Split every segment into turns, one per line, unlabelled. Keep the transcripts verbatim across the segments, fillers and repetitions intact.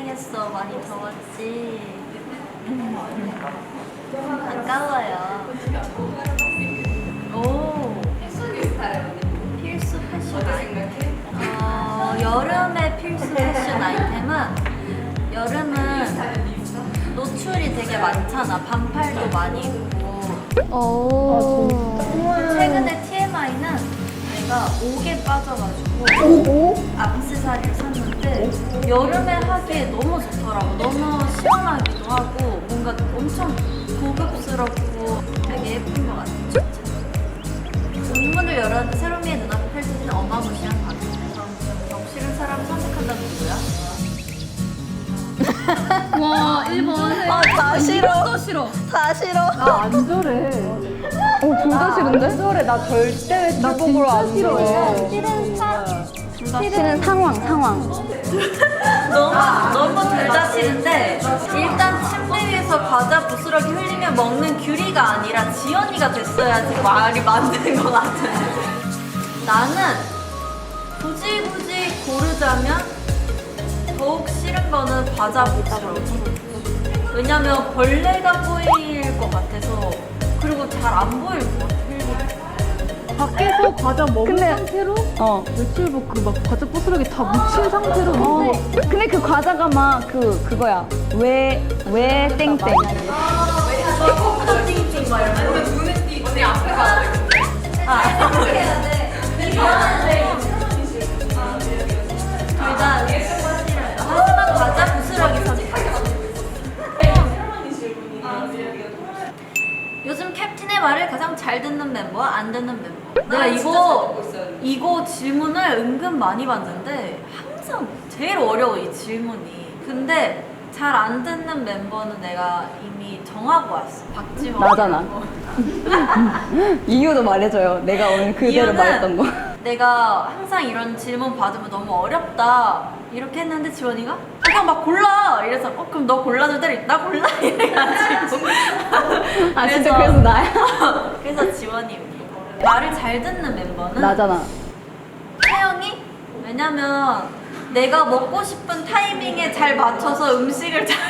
고생했어. 많이 더웠지. 아까워요. 오. 필수 패션 아이템. 어, 여름의 필수 패션 아이템은 여름은 노출이 되게 많잖아. 반팔도 많이 입고.
오.
최근에 티엠아이는 내가 옥에 빠져가지고
오?
액세서리를 샀는데 여름에 하기에 너무 좋더라고. 너무 시원하기도 하고 뭔가 엄청 고급스럽고 되게 예쁜 것 같아. 문문을 열었는데 세로미의 눈앞에 펼쳐지는 어마무시한 광경에서 덕실은 사람을 선택한다는 누구야?
와 일 번.
아, 다 싫어.
또 싫어.
다 싫어.
나 안 저래.
어, 둘 다 싫은데?
안 저래. 나 절대 외출복으로 안
싫어해.
싫은 사.
싫은 상황, 상황.
너무 너무 둘 다 싫은데 일단 침대 위에서 과자 부스러기 흘리며 먹는 규리가 아니라 지연이가 됐어야지 말이 맞는 것 같은데 나는 굳이 굳이 고르자면 더욱 싫은 거는 과자 부스러기. 왜냐면 벌레가 보일 것 같아서 그리고 잘 안 보일 것 같아.
밖에서 과자 먹은
근데-
상태로
어.
외출복 그 막 과자 부스러기 다 묻힌 상태로
어. 근데 그 과자가 막 그, 그거야. 왜, 왜 땡땡.
저 띵띵 막 이러면 근데 눈에 띄 언니 앞에 가야 돼. 아 이렇게 해야 돼. 둘다 하지만 과자 부스러기 선택하겠어. 요즘 캡틴의 말을 가장 잘 듣는 멤버와 안 듣는 멤버. 내가 이거 이거 질문을 은근 많이 받는데 항상 제일 어려워 이 질문이. 근데 잘 안 듣는 멤버는 내가 이미 정하고 왔어. 박지원.
나잖아. 이유도 말해줘요. 내가 오늘 그대로
이유는
말했던 거.
내가 항상 이런 질문 받으면 너무 어렵다 이렇게 했는데 지원이가 아, 그냥 막 골라 이래서 어 그럼 너 골라줄 때를 나 골라 이래가지고
아, 진짜 그래서 나야?
그래서 지원입니다. 말을 잘 듣는 멤버는
나잖아.
태영이? 왜냐면 내가 먹고 싶은 타이밍에 잘 맞춰서 음식을 잘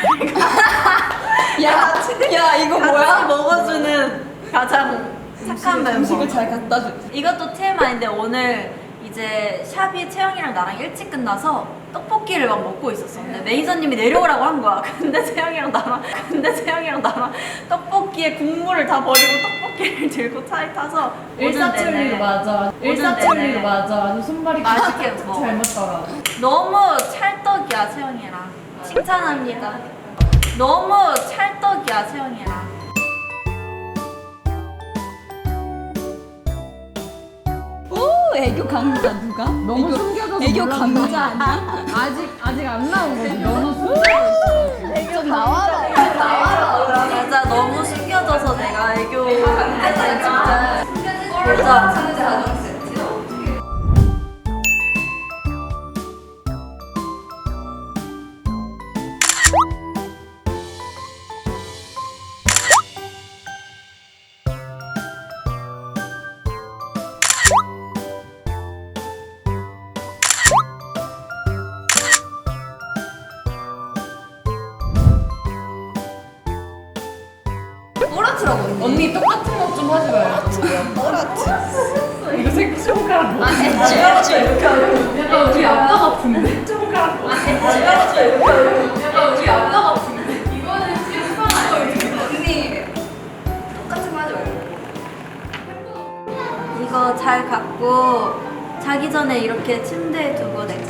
야, 야, 이거
같이
뭐야?
먹어주는 가장 착한 멤버.
음식을 잘 갖다 줘.
이것도 티엠아이인데 오늘 이제 샵이 채영이랑 나랑 일찍 끝나서 떡볶이를 막 먹고 있었어. 근데 매니저님이 내려오라고 한 거야. 근데 채영이랑 나랑 근데 채영이랑 나랑 떡볶이에 국물을 다 버리고 떡볶이를 들고 차에 타서
일사천리로 맞아. 일사천리로 맞아. 아주 손발이
맛있게 먹어.
잘 맞더라.
너무 찰떡이야 채영이랑. 칭찬합니다. 너무 찰떡이야 채영이랑.
오, 애교 강자 누가?
너무
애교,
숨겨져서
애교
몰랐네.
강자 아니야?
아직 아직 안 나온 거지. 너무 숨겨.
애교 나와라.
맞아 너무 숨겨져서 내가 애교 진짜 진짜
꼬라트라고 언니. 언니 똑같은 거 좀 하지 마요. 꼬라트. 이거 새끼 손가락 뭐?
지워줘 이렇게 하고
약간 우리 아빠 같은데. 손가락 뭐?
지워줘 이렇게 하고
약간 우리 아빠 같은데. 이거는 지금 손가락
언니 똑같은 거 하지 말고 이거 잘 갖고 자기 전에 이렇게 침대에 두고 내